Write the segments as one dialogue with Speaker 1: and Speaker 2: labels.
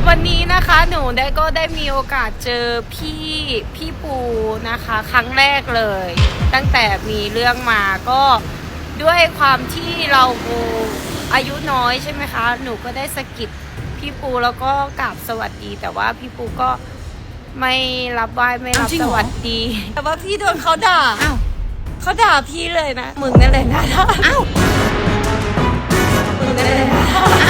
Speaker 1: วันนี้นะคะหนูก็ได้มีโอกาสเจอพี่ปูนะคะครั้งแรกเลย ตั้งแต่มีเรื่องมาก็ด้วยความที่เราอายุน้อยใช่ไหมคะหนูก็ได้สะกิดพี่ปูแล้วก็กราบสวัสดี แต่ว่าพี่ปูก็ไม่รับไหว้ไม่รับสวัสดี แต่ว่าพี่โดนเขาด่าเขาด่าพี่เลยนะมึงนั่นเลยนะมึงนั่นเลยนะ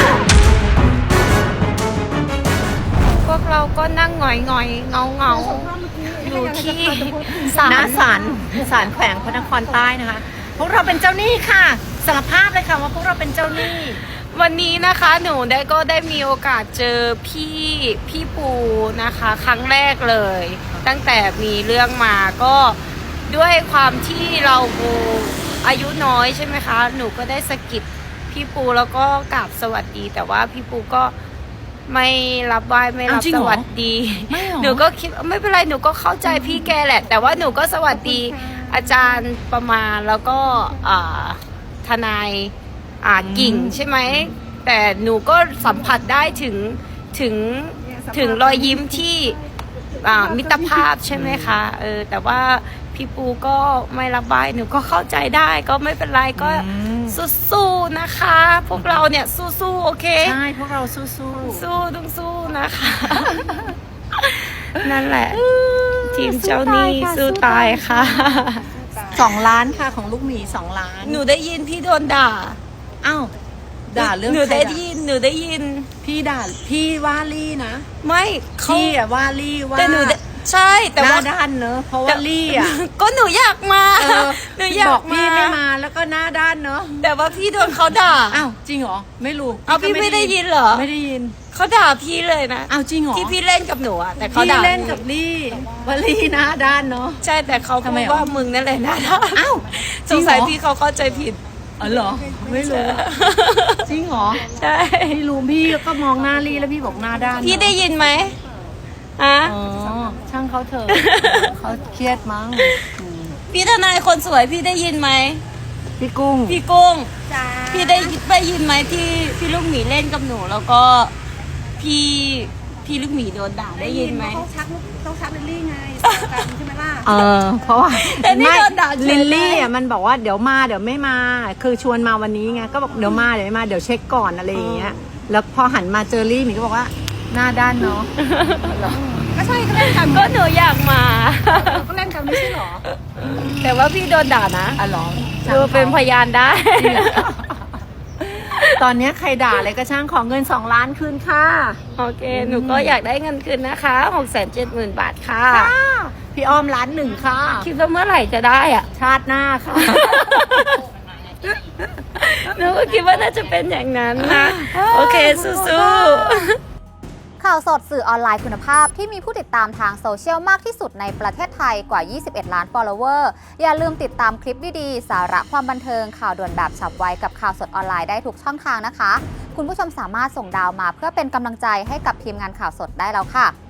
Speaker 1: พวกเราก็นั่งหงอยเงาอยู่ที่ศาล
Speaker 2: แขวงพระนครใต้นะคะพวกเราเป็นเจ้าหนี้ค่ะสารภาพเลยค่ะว่าพวกเราเป็นเจ้าหนี้
Speaker 1: วันนี้นะคะหนูก็ได้มีโอกาสเจอพี่ปูนะคะครั้งแรกเลย ตั้งแต่มีเรื่องมาก็ด้วยความที่เราอายุน้อยใช่ไหมคะหนูก็ได้สะกิดพี่ปูแล้วก็กราบสวัสดี แต่ว่าพี่ปูก็ไม่รับไหว้ไม่รับสวัสดีหนูก็คิดไม่เป็นไรหนูก็เข้าใจพี่แกแหละ แต่ว่าหนูก็สวัสดีอาจารย์ประมาณแล้วก็ทนายกิ่งใช่ไหมแต่หนูก็สัมผัสได้ถึงรอยยิ้มที่มิตรภาพใช่ไหมคะแต่ว่าพี่ปูก็ไม่รับไหว้หนูก็เข้าใจได้ก็ไม่เป็นไรก็สู้ๆนะคะพวกเราเนี่ยสู้ๆโอเค
Speaker 2: ใช่พวกเราสู้
Speaker 1: ต้องสู้นะคะ นั่นแหละทีมเจ้าหนี้สู้ตายค่ะ
Speaker 2: 2 ล้านค่ะของลูกหมี2 ล้าน
Speaker 1: หนูได้ยินพี่โดนด่า
Speaker 2: อ้าวด่าเรื่อง
Speaker 1: หนูได้ยิน
Speaker 2: พี่ด่าพี่ว่าลี่นะ
Speaker 1: ไม่
Speaker 2: พี่อะว่าลี่ว่า
Speaker 1: แต่หนูใช่แต่ว่า
Speaker 2: หน้าด้านเนอะเพราะว่าลี่อะ
Speaker 1: ก็หนูอยากมาหนูอยาก
Speaker 2: พี่ไม่มาแล้วก็หน้าด้านเนอะ
Speaker 1: แต่ว่าพี่โดนเขาด่า
Speaker 2: อ้าวจริงเหรอไม่รู้
Speaker 1: เอาพี่ไม่ได้ยินเหรอ
Speaker 2: ไม่ได้ยิน
Speaker 1: เขาด่าพี่เลยนะ
Speaker 2: อ้าวจริงเหรอ
Speaker 1: ที่พี่เล่นกับหนูอะแต่เขาด่า
Speaker 2: พี่เล่นกับลี่ว่าลี่หน้าด้านเนอะ
Speaker 1: ใช่แต่เขาพูดว่ามึงนั่นแหละหน้าด้าน
Speaker 2: อ้าว
Speaker 1: สงสัยพี่เขาเข้าใจผิด
Speaker 2: อ๋อเหรอไม่รู้จริงเหรอ
Speaker 1: ใช่
Speaker 2: พี่รู้พี่ก็มองหน้าลี่แล้วพี่บอกหน้าด้าน
Speaker 1: พี่ได้ยินไหม
Speaker 2: อ๋อช่างเขาเถอะเขาเครียดมั้ง
Speaker 1: พี่ทนายคนสวยพี่ได้ยินไหม
Speaker 2: พี่กุ้ง
Speaker 1: พี่ได้ยินไหมที่พี่ลูกหมีเล่นกับหนูแล้วก็พี่ลูกหมีโดนด่าได้ยินไหม
Speaker 3: ต้องชักลิลลี่ไงใช่ไหมล่ะ
Speaker 2: เพราะว่า
Speaker 1: แต่นี่โดนด่า
Speaker 2: ลิลลี่อ่ะมันบอกว่าเดี๋ยวมาเดี๋ยวไม่มาคือชวนมาวันนี้ไงก็บอกเดี๋ยวมาเดี๋ยวไม่มาเดี๋ยวเช็คก่อนอะไรอย่างเงี้ยแล้วพอหันมาเจอลี่หมีก็บอกว่าหน้าด้านเนาะ
Speaker 3: ก็ใช่ก็เล่นกัน
Speaker 1: ก็หนูอยากมา
Speaker 3: ก็เล่นกันไม่ใช่หรอ
Speaker 1: แต่ว่าพี่โดนด่านะ
Speaker 2: หรอ
Speaker 1: ดูเป็นพยานได้
Speaker 2: ตอนนี้ใครด่าอะไรก็ช่างของเงิน2 ล้านคืนค่ะ
Speaker 1: โอเคหนูก็อยากได้เงินคืนนะคะ670,000 บาทค่ะ
Speaker 2: พี่อ้อม1,000,000ค่ะ
Speaker 1: คิดว่าเมื่อไหร่จะได้อ่ะ
Speaker 2: ชาติหน้าค่ะ
Speaker 1: หนูก็คิดว่าน่าจะเป็นอย่างนั้นนะโอเคสู้ๆ
Speaker 4: ข่าวสดสื่อออนไลน์คุณภาพที่มีผู้ติดตามทางโซเชียลมากที่สุดในประเทศไทยกว่า21 ล้าน follower อย่าลืมติดตามคลิปดีๆสาระความบันเทิงข่าวด่วนแบบฉับไวกับข่าวสดออนไลน์ได้ทุกช่องทางนะคะคุณผู้ชมสามารถส่งดาวมาเพื่อเป็นกำลังใจให้กับทีมงานข่าวสดได้แล้วค่ะ